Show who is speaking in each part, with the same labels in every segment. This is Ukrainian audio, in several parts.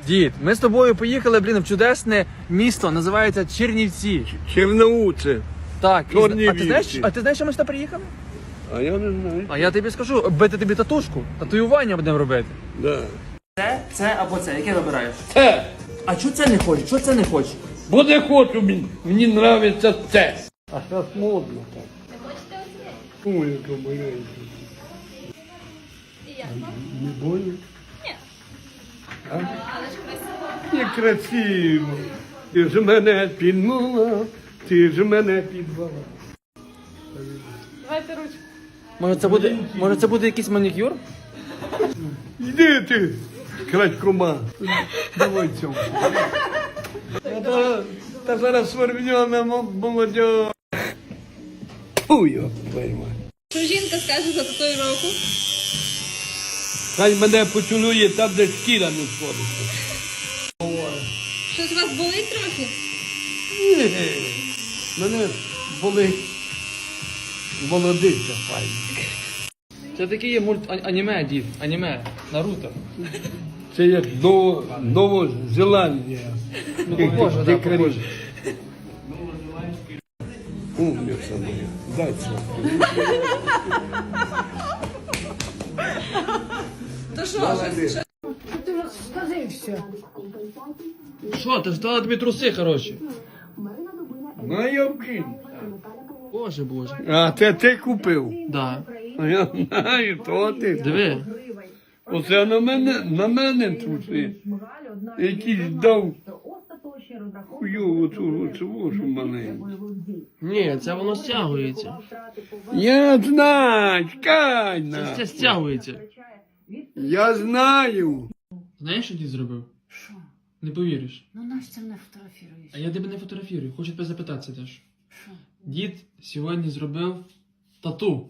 Speaker 1: Дід, ми з тобою поїхали, в чудесне місто, називається Чернівці.
Speaker 2: Черноуце.
Speaker 1: Так,
Speaker 2: Чернівці.
Speaker 1: а ти знаєш, що ми сюди приїхали?
Speaker 2: А я не знаю.
Speaker 1: А я тобі скажу, бити тобі татушку, татуювання будемо робити.
Speaker 2: Да.
Speaker 1: Це або це, яке вибираєш?
Speaker 2: Це.
Speaker 1: А чого це не хочеш? Чого це не хочеш?
Speaker 2: Бо не хочу, мені нравиться це. А зараз модно так.
Speaker 3: Не хочете оце?
Speaker 2: Ой, яка маленька.
Speaker 3: І як?
Speaker 2: Не больно?
Speaker 3: Ні.
Speaker 2: А?
Speaker 3: Але ж красиво.
Speaker 2: Некрасиво. Ти ж мене підмала, ти ж мене підвала.
Speaker 3: Давайте ручку.
Speaker 1: Може це буде якийсь манікюр?
Speaker 2: Йди ти, крадькома. Давай цьому. Та зараз свербньона молодь. Фу, його пойма.
Speaker 3: Що жінка скаже за татуїровку?
Speaker 2: Хай мене поцілує там, де шкіра не сходиться.
Speaker 3: Щось у вас болить трохи?
Speaker 2: Ні, мене болить молодиця файна.
Speaker 1: Це такий є аніме, дід, аніме, Наруто.
Speaker 2: Це як Новозеландія.
Speaker 1: Похоже, да, похоже.
Speaker 2: Умниця моя. Дай це.
Speaker 3: То що?
Speaker 1: Що, ти ж дала тобі труси, хороші?
Speaker 2: Майовки.
Speaker 1: Боже.
Speaker 2: А це ти купив?
Speaker 1: Да.
Speaker 2: А я знаю, то ти.
Speaker 1: Диви.
Speaker 2: Оце на мене труси. Якийсь дав хуйову цю маленьку.
Speaker 1: Ні, це воно стягується.
Speaker 2: Я знаю, чекай
Speaker 1: Це
Speaker 2: на.
Speaker 1: стягується.
Speaker 2: Я знаю.
Speaker 1: Знаєш, що дід зробив?
Speaker 4: Що?
Speaker 1: Не повіриш.
Speaker 4: Ну Настя не фотографіруєш.
Speaker 1: А я тебе не фотографірую, хочу тебе запитатися теж.
Speaker 4: Що?
Speaker 1: Дід сьогодні зробив тату.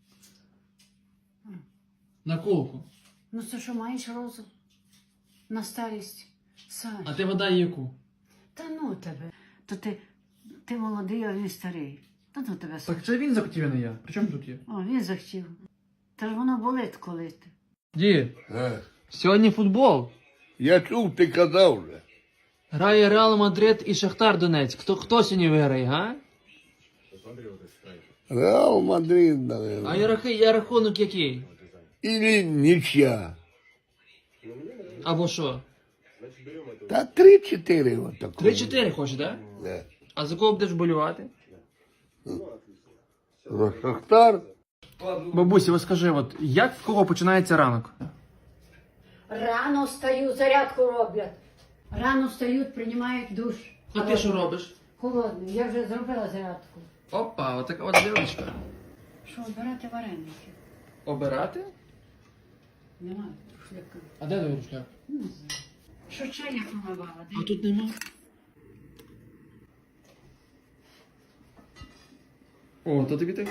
Speaker 1: Наколку.
Speaker 4: Ну це що, маєш розум? На старість? Саш.
Speaker 1: А ти вода яку?
Speaker 4: Та ну тебе. То ти молодий, а він старий. Та ну тебе, Саш.
Speaker 1: Так це він захотів, а не я. При чому тут є?
Speaker 4: О, він захотів. Та ж воно болить коли ти.
Speaker 1: Дід, сьогодні футбол.
Speaker 2: Я чув, ти казав вже.
Speaker 1: Грає Реал Мадрид і Шахтар Донецьк. Хто сьогодні виграє, га?
Speaker 2: Реал Мадрид, наверное.
Speaker 1: А рахунок який?
Speaker 2: Или нічя.
Speaker 1: Або що?
Speaker 2: Та 3-4 отако.
Speaker 1: 3-4 хочеш, так?
Speaker 2: Да.
Speaker 1: А за кого будеш болювати?
Speaker 2: За Шахтар.
Speaker 1: Бабусі, ось скажи, от як в кого починається ранок?
Speaker 4: Рано встаю, зарядку роблять. Рано встають, приймають душ.
Speaker 1: А ти що робиш?
Speaker 4: Холодний. Я вже зробила зарядку.
Speaker 1: Опа, отака от дівчинка.
Speaker 4: Що, обирати вареники?
Speaker 1: Обирати?
Speaker 4: Немає шляка.
Speaker 1: А де твій рушляк?
Speaker 4: Не знаю. Що чай я помивала?
Speaker 1: А тут нема. О, то тобі так?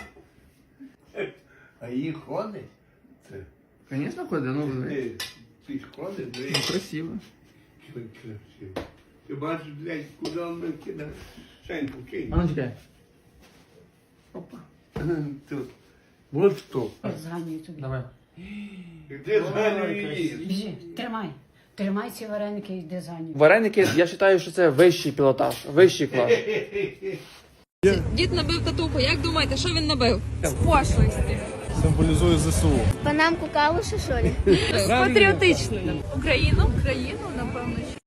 Speaker 2: А її ходить? Це.
Speaker 1: Звісно, ходить, ну диви.
Speaker 2: Ти ж ходиш,
Speaker 1: Ну, красиво.
Speaker 2: красиво. Ти бачиш, блядь, куди вона кидає? Шеньку кинь.
Speaker 1: А ну чекай. Опа.
Speaker 2: Тут. Вот що.
Speaker 4: Зганюю тобі.
Speaker 1: Давай.
Speaker 2: Де зганює її?
Speaker 4: Біжи, тримай. Тримай ці вареники і йди за ним.
Speaker 1: Вареники, я вважаю, що це вищий пілотаж, вищий клас.
Speaker 3: Дід набив татуху. Як думаєте, що він набив? З пошлості.
Speaker 5: Символізує ЗСУ.
Speaker 6: Панамку калуші, що ли?
Speaker 3: Патріотичною. Україну, напевно, що.